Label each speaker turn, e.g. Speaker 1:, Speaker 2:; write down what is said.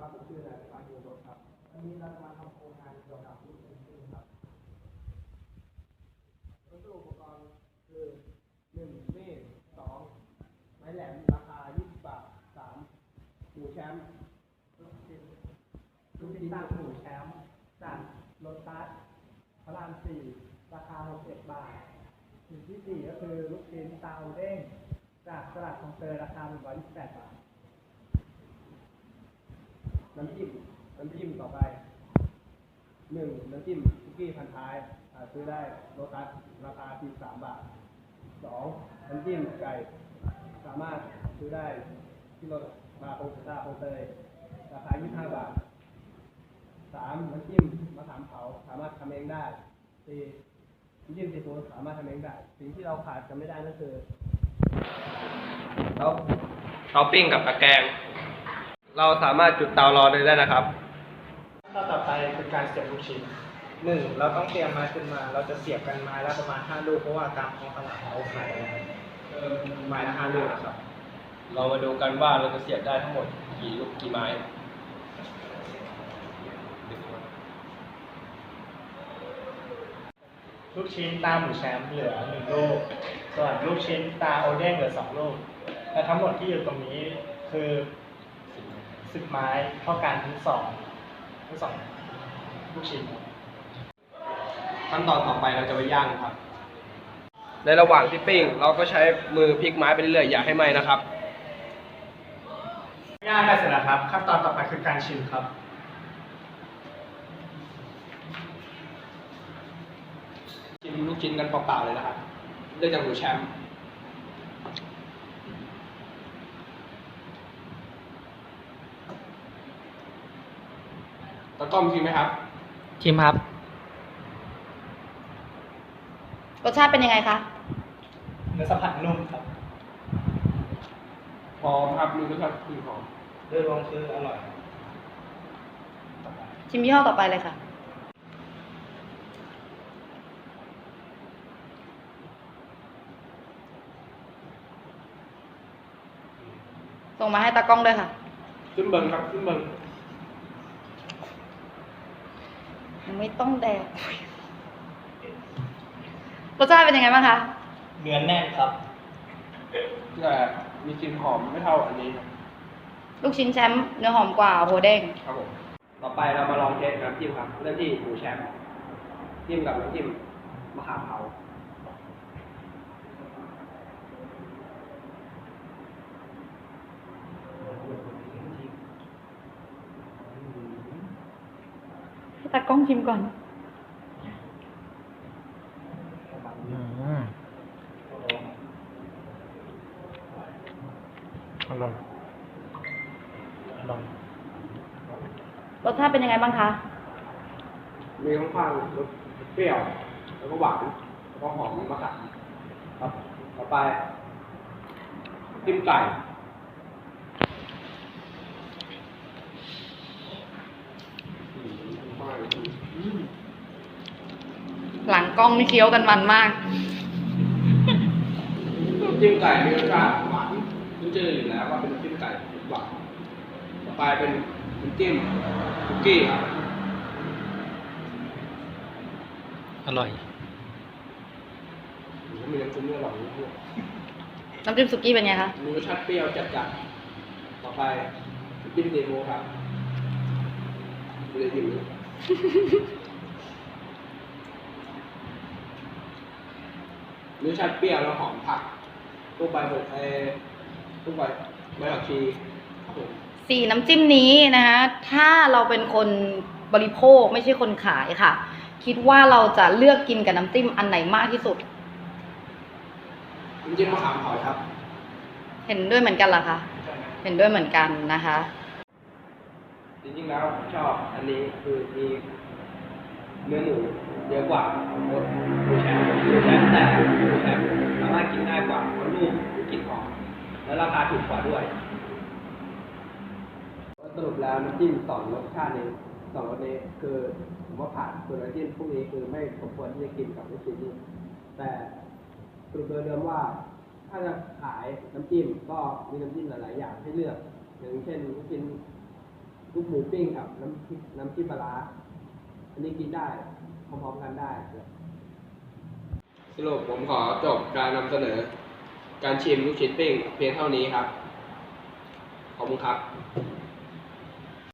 Speaker 1: ครับผมชื่อนายปานยูรสครับวันนี้เราจะมาทำโครงงานเกี่ยวกับลูกชิ้นครับวัสดุอุปกรณ์คือ1มีด2ไม้แหลมราคา20 บาท3หูแชมป์ลูกชิ้นตั้งหูแชมป์จากโลตัสพระราม4ราคา61 บาทสิ่งที่4ก็คือลูกชิ้นเตาเด้งจากตลาดคลองเตยราคา128 บาทน้ำจิ้มต่อไป1น้ำจิ้มคุกกี้พันท้ายซื้อได้โลตัสราคา43 บาท2น้ำจิ้มไก่สามารถซื้อได้ที่โลมาโคงเตยราคา25 บาท3น้ำจิ้มมะขามเผาสามารถทำเองได้4น้ำจิ้มซีฟู้ดสามารถทำเองได้สิ่งที่เราขาดกันไม่ได้ก็คือเตาปิ้งกับตะแกรงเราสามารถจุดเตารอเลยได้นะครับต่อไปคือการเสียบลูกชิ้น1เราต้องเตรียมไม้ขึ้นมาเราจะเสียบกันไม้ละประมาณ5 ลูกเพราะว่าตามท้องตลาดเขาขายไม้ละ5 ลูกนะครับเรามาดูกันว่าเราจะเสียบได้ทั้งหมดกี่ไม้
Speaker 2: ลูกชิ้นตาหมูแชมป์เหลือ1 ลูกส่วนลูกชิ้นตาโอเด้งเหลือ2 ลูกและทั้งหมดที่อยู่ตรงนี้คือ10 ไม้เท่ากันทั้งสองลูกชิ้น
Speaker 1: ขั้นตอนต่อไปเราจะไปย่างครับในระหว่างที่ปิ้งเราก็ใช้มือพลิกไม้ไปเรื่อยๆอย่าให้ไหม้นะครับ
Speaker 2: ย่างได้เสร็จแล้วครับขั้นตอนต่อไปคือการชิมครับ
Speaker 1: ชิมลูกชิ้นกันเปล่าๆเลยนะครับเลือกจากหมูแชมป์ตะก้อมชิมไหมครับ
Speaker 3: ชิมครับรสชาติเป็นยังไงคะ
Speaker 2: เนื้อสัมผัสนุ่มครับ
Speaker 1: หอมครับมีรสชาติหอม
Speaker 2: โดยรวมคืออร่อย
Speaker 3: ชิมยี่ห้อต่อไปเลยค่ะส่งมาให้ตากล้องด้วยค่ะ
Speaker 1: ขึ้นเบิงครับขึ้นเบิง
Speaker 3: ยังไม่ต้องแดกรสชาติเป็นยังไงบ้างคะ
Speaker 2: เนื้อแน่นครับ
Speaker 1: แต่มีกลิ่นหอมไม่เท่าอันนี้ครับ
Speaker 3: ลูกชิ้นแชมป์เนื้อหอมกว่าโหเด้ง
Speaker 1: ครับผมต่อไปเรามาลองเทสน้ำจิ้มครับเริ่มที่หมูแชมป์จิ้มกับน้ำจิ้มมะขามเผา
Speaker 3: ให้ตากล้องชิมก่อน
Speaker 2: อร่อย
Speaker 3: รสชาติเป็นยังไงบ้างคะ
Speaker 1: มีค่อนข้างรสเปรี้ยวแล้วก็หวานแล้วก็หอมมะขามครับต่อไปจิ้มไก่
Speaker 3: หลังกล้องนี่เคี้ยวกันมันมาก
Speaker 1: จิ้มไก่มีรสชาติหวานรู้เจออยู่แล้วว่าเป็นจิ้มไก่หวานต่อไปเป็นน้ำจิ้มคุกกี้ครับ
Speaker 2: อร่อย
Speaker 1: มีน้ำจิ้มอร่อยด้วย
Speaker 3: น้ำจิ้มสุกี้เป็นไงคะ
Speaker 1: มีรสชาติเปรี้ยวจัดๆต่อไปน้ำจิ้มซีฟู้ดครับไม่ได้จิ้มเลยรสชาติเปรี้ยวแล้วหอมผักตู้ใบผักชีครับผม
Speaker 3: 4น้ำจิ้มนี้นะคะถ้าเราเป็นคนบริโภคไม่ใช่คนขายค่ะคิดว่าเราจะเลือกกินกับน้ำจิ้มอันไหนมากที่สุด
Speaker 1: น้ำจิ้มมะขามเผาครับ
Speaker 3: เห็นด้วยเหมือนกันเหรอคะเห็นด้วยเหมือนกันนะคะ
Speaker 1: จริงๆแล้วชอบอันนี้คือมีเนื้อหมูเยอะกว่าหมูแชมป์แต่หมูแชมป์สามารถกินง่ายกว่าเพราะลูกกินหอมและราคาถูกกว่าด้วยสรุปแล้วน้ำจิ้ม2 รสชาตินี้2 รสนี้คือผมว่าผ่านส่วนน้ำจิ้มพวกนี้คือไม่สมควรที่จะกินกับลูกชิ้นนี้แต่สรุปโดยรวมว่าถ้าจะขายน้ำจิ้มก็มีน้ำจิ้มหลายๆอย่างให้เลือกอย่างเช่นลูกชิ้นลูกหมูปิ้งกับน้ำจิ้มปลาร้าอันนี้กินได้พร้อมๆกันได้
Speaker 4: สรุปผมขอจบการนำเสนอ การชิมลูกชิ้นปิ้งเพียงเท่านี้ครับ ขอบคุณครับ